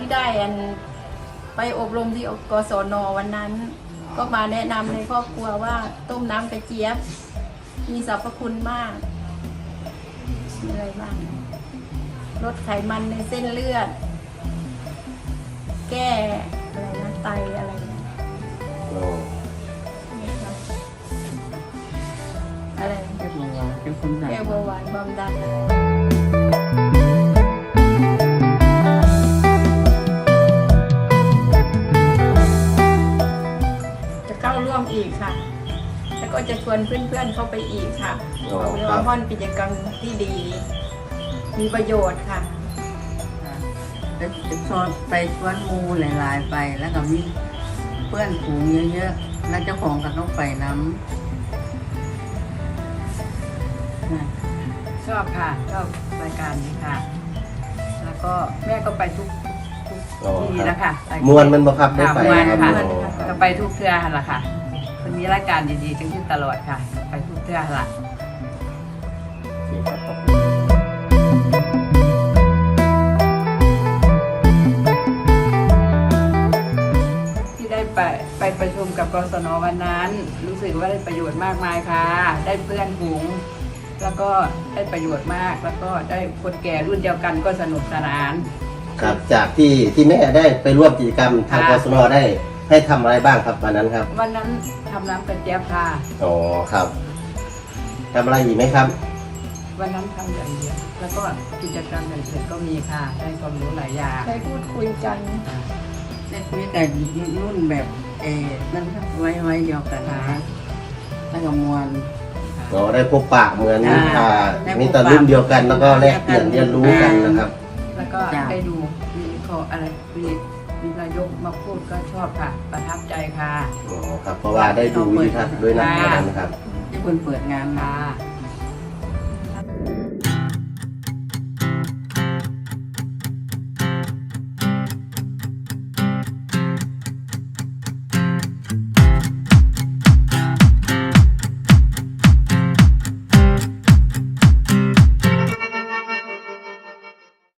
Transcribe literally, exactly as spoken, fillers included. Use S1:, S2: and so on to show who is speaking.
S1: ได้อันไปอบรมที่กศนวันนั้น ก็มาแนะนำในครอบครัวว่าต้มน้ำกระเจี๊ยบมีสรรพคุณมากมีอะไรบ้างลดไขมันในเส้นเลือด แก้อะไรนะไตอะไรนะ
S2: โอ้
S1: อะไร
S3: แก้เบาหวานแก้ความดัน
S1: แก้เบาหวานความดันจะเข้าร่วมอีกค่ะ แล้วก็จะชวนเพื่อนๆเข้าไปอีกค่ะเพราะว่าม่อนกิจกรรมที่ดี มีประโยชน์ค่ะ
S3: ไปชวนไปชวนหมูหลายๆไปแล้วก็มีเพื่อนฝูงเยอะๆแล้วเจ้าของก็ต้องไปน้ำ
S4: ชอบค่ะชอบรายการนี้ค่ะ แล้วก็แม่ก็ไปทุกทุก
S2: โอ้
S4: ที่
S2: ครับ
S4: นะคะ
S2: มวนมันบ่ครับได้
S4: ค่ะ
S2: ไป
S4: มวน
S2: ครับ
S4: ค่ะ
S2: โอ้
S4: ก็ไปทุกเทื่อหั่นล่ะค่ะมันมีรายการดีๆจังที่ตลอดค่ะ ไปทุกเทื่อหั่นล่ะ
S2: โอเคครับขอบคุณ
S4: ที่ได้ไปไปประชุมกับกศนวันนั้น รู้สึกว่าได้ประโยชน์มากมายค่ะ ได้เพื่อนฝูงแล้วก็ได้ประโยชน์มาก แล้วก็ได้คนแก่รุ่นเดียวกันก็สนุกสนาน
S2: ครับจากที่ที่แม่ได้ไปร่วมกิจกรรมทางก
S4: ค่ะ
S2: ศนได้ให้ทำอะไรบ้างครับวันนั้นครับ
S4: วันนั้นทำน้ำกระเจี๊ยบค่ะ
S2: อ๋อครับทำอะไรอีกไหมครับ
S4: วันนั้นทำอย่างเดียวแล้วก็กิจกรรมอย่างอื่นก็มีค่ะ ได้ความรู้หลายอย่าง
S1: ได้พูดคุยกัน
S3: ได้คุยแต่รุ่นแบบเออนั่นครับไว้ไว้เดียวกันนะแล้วก็มวล
S2: เราได้พบปะเหมือน
S3: อ่า
S2: อ่า
S3: ได้พบปะ
S2: มีแต่รุ่นเดียวกันแล้วก็แลกเปลี่ยนเรียนรู้กันนะครับ
S4: แล้วก็
S3: จ้ะ
S4: ได้ดูมีขออะไรมีมีนายกมาพูดก็ชอบค่ะ ประทับใจค่ะ
S2: อ๋อครับเพราะว่าได้ดูวิดีทัศน์ด้วยนะ
S4: ค่ะ
S2: นะครับ
S3: ที่คนเปิดงานมา
S4: ค่ะ